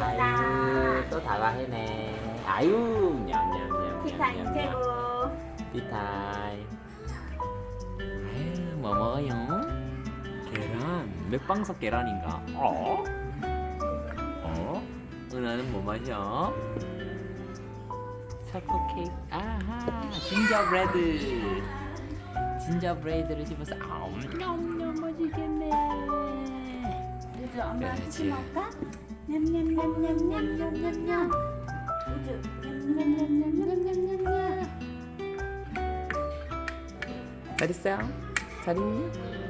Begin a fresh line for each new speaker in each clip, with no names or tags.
아유 또 다가해네. 아유 냠냠냠.
티타임 최고.
티타임. 아유 뭐 먹어요? 계란. 맥방석 계란인가? 어? 은하는 뭐 마셔? 초코 케이크. 아하 진저브레드. 진저브레드를 씹어서 너무 맛있겠네.
우주 엄마
그렇지.
쿠키 먹을까? 냠냠냠냠냠냠냠냠. 우주 냠냠냠냠냠냠냠.
잘 있어요? 잘 있니?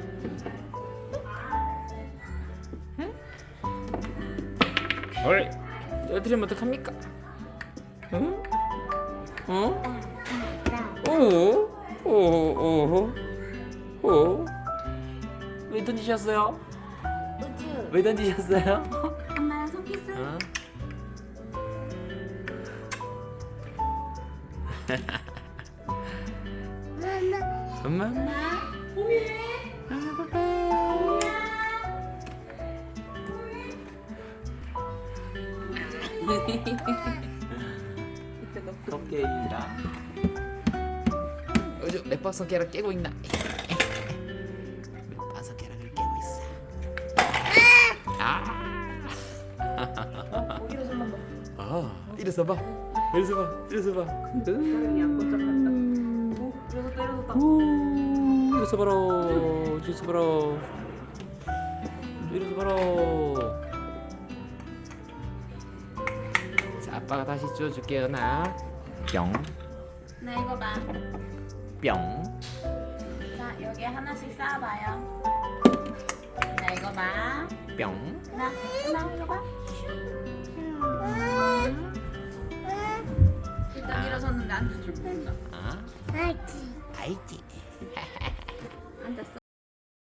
응? 헐 떨어뜨리면 어떡합니까? 응? 어? 오? 왜 던지셨어요?
우주
왜 던지셨어요?
엄마랑 손키스.
어? 엄마?
엄마.
컵케이크인가? 요즘 맥박성 계란 깨고 있나? 맥박성 계란을 깨고 있어.
고기도 좀 먹어.
일어서 봐. 일어서 봐. 일어서 봐.
사람이 안 꽂혀갔다. 그래서 때려줬다.
일어서 봐라. 일어서 봐라. 일어서 봐라. 자, 아빠가 다시 쪄줄게요. 나 뿅.
나 이거 봐.
뿅.
자 여기 하나씩 쌓아봐요. 나 이거 봐.
뿅.
나 이거 봐. 일단 일어섰는데 앉을 줄 모른다.
알지.
앉았어?